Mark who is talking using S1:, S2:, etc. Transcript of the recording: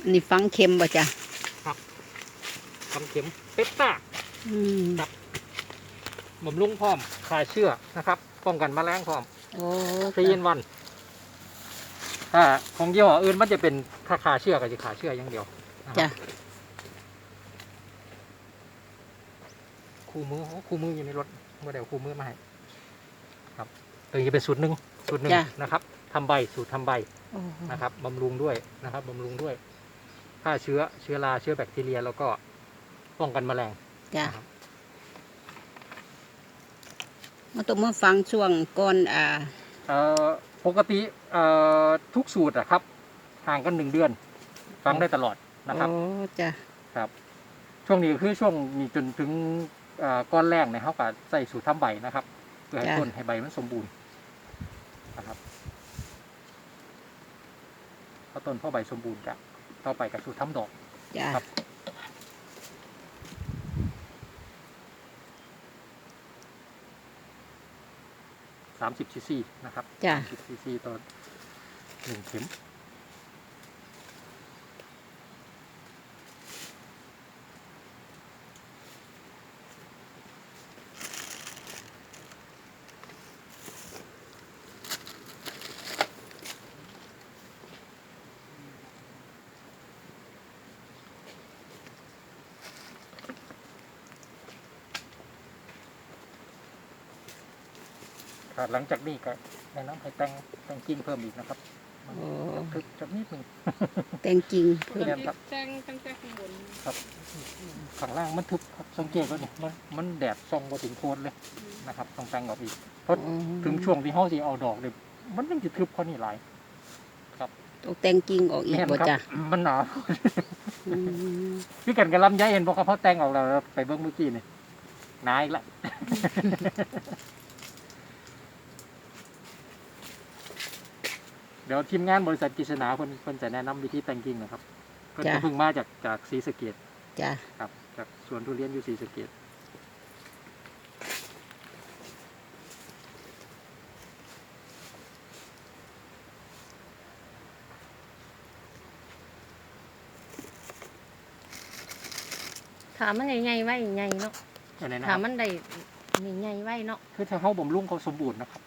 S1: นี่ฟังเข็มบ่จ้ะ
S2: ครับฟังเข็มเปปต้าครับบำรุงพร้อมคลายเชื้อนะครับป้องกันแมลงพร้อม
S1: โอ้
S2: 3 in 1ถ้าของยี่ห้ออื่นมันจะเป็นถ้าคาเชื้อก็จะคาเชื้ออย่างเดียว
S1: จ้ะ
S2: คู่มืออยู่ในรถเมื่อเดี๋ยวคู่มือมาให้ครับตัวนี้เป็นสูตรหนึ่งนะครับทำใบสูตรทำใบนะครับบำรุงด้วยนะครับบำรุงด้วยฆ่าเชื้อราเชื้อแบคทีเรียแล้วก็ป้องกันแมลง
S1: จ้ะมาต้องมาฟังช่วงก่อน
S2: ปกติทุกสูตรอะครับห่างกัน1 เดือนฟังได้ตลอดนะครับ
S1: โอ้จ้ะ
S2: ครับช่วงนี้คือช่วงนี้จนถึงก้อนแรกเนี่ยเขาก็ใส่สูตรทำใบนะครับเพื่อให้ต้นให้ใบมันสมบูรณ์นะครับพอต้นพอใบสมบูรณ์จะต่อไปกับสูตรทำดอกครับ30 cc นะครับ30 cc ต่อ1 เข็มหลังจากนี้ก็แนะนำให้แต่งกิ่งเพิ่มอีกนะครับทึบจักนิดนึง
S1: แต่งจริง
S3: เพิ่มแต่งตั้งแต่ข้างบน
S2: ครับข้างล่างมันทึบครับสังเกตว่านี่มันแดดส่องมาถึงโคนเลยนะครับต้องแต่งออกอีกเพราะถึงช่วงที่เขาสิเอาดอกเลยมันยังจะทึบเพราะนี่หลายครับ
S1: ต้องแต่งจริงออกอีกบ่จ้ะ
S2: มันหนาพี่กันกับลำไยเห็นบอกเขาแต่งออกแล้วไปเบิ้งเมื่อกี้นี่นายละเดี๋ยวทีมงานบริษัทกฤษณาคนจะแนะนำวิธีแต่งกิ่งนะครับก็จะเพิ่งมาจากศรีสะเกษ
S1: จ้ะ
S2: ครับจากสวนทุเรียนอยู่ศรีสะเกษ
S3: ถามมันใหญ่ๆไว้ใหญ่เนาะถามมันได้ใหญ่ๆไว้เนาะ
S2: คือถ้าเขาบ่มรุ่งเขาสมบูรณ์นะครับ